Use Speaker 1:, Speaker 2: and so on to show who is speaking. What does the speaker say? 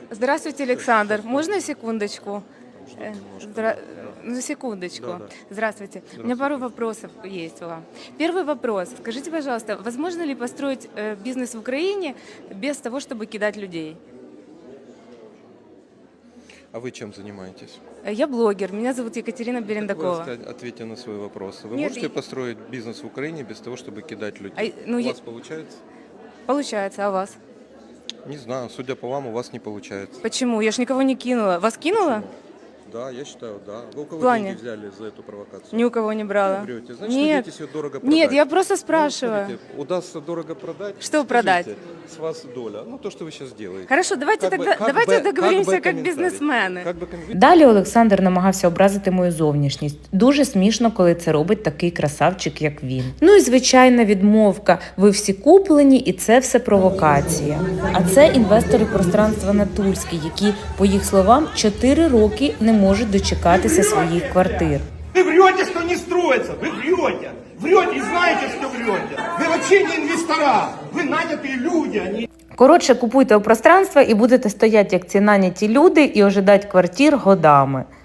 Speaker 1: Здравствуйте, Александр. Можно секундочку?
Speaker 2: Немножко.
Speaker 1: Ну, секундочку.
Speaker 2: Да.
Speaker 1: Здравствуйте. У меня пару вопросов есть вам. Первый вопрос. Скажите, пожалуйста, возможно ли построить бизнес в Украине без того, чтобы кидать людей?
Speaker 2: А вы чем занимаетесь?
Speaker 1: Я блогер. Меня зовут Екатерина Берендакова.
Speaker 2: Вы ответьте на свой вопрос. Вы
Speaker 1: Нет,
Speaker 2: можете построить бизнес в Украине без того, чтобы кидать людей?
Speaker 1: ну,
Speaker 2: У вас получается?
Speaker 1: Получается, а у вас?
Speaker 2: Не знаю, судя по вам, у вас не получается.
Speaker 1: Почему? Я ж никого не кинула. Вас кинула?
Speaker 2: Почему? Да, я считаю, да. Вы у кого
Speaker 1: В плане?
Speaker 2: деньги взяли за эту провокацию?
Speaker 1: Ни у кого не брала.
Speaker 2: Вы врете. Значит,
Speaker 1: Нет.
Speaker 2: надеетесь ее дорого продать.
Speaker 1: Нет, я просто
Speaker 2: Ну,
Speaker 1: спрашиваю.
Speaker 2: смотрите, удастся дорого продать.
Speaker 1: Что
Speaker 2: скажите,
Speaker 1: продать?
Speaker 2: С вас доля. Ну, то, что вы сейчас делаете.
Speaker 1: Хорошо, давайте
Speaker 2: Как бы-
Speaker 1: тогда
Speaker 2: как
Speaker 1: давайте
Speaker 2: бы-
Speaker 1: договоримся
Speaker 2: как бы
Speaker 1: как
Speaker 2: комментарий.
Speaker 1: бизнесмены.
Speaker 2: Как бы комментарий.
Speaker 3: Далі Олександр намагався образити мою зовнішність. Дуже смішно, коли це робить такий красавчик, як він. Ну і звичайна відмовка. Ви всі куплені, і це все провокація. А це інвестори пространства Натурський, які, по їх словам, 4 роки не можуть дочекатися своїх квартир.
Speaker 4: Вы врете, что не строится, вы врете. Врете и знаете, что врете. Вы вообще не инвестора, вы нанятые люди, они...
Speaker 3: Коротше, купуйте у пространства і будете стояти, як ці наняті люди, і ожидати квартир годами.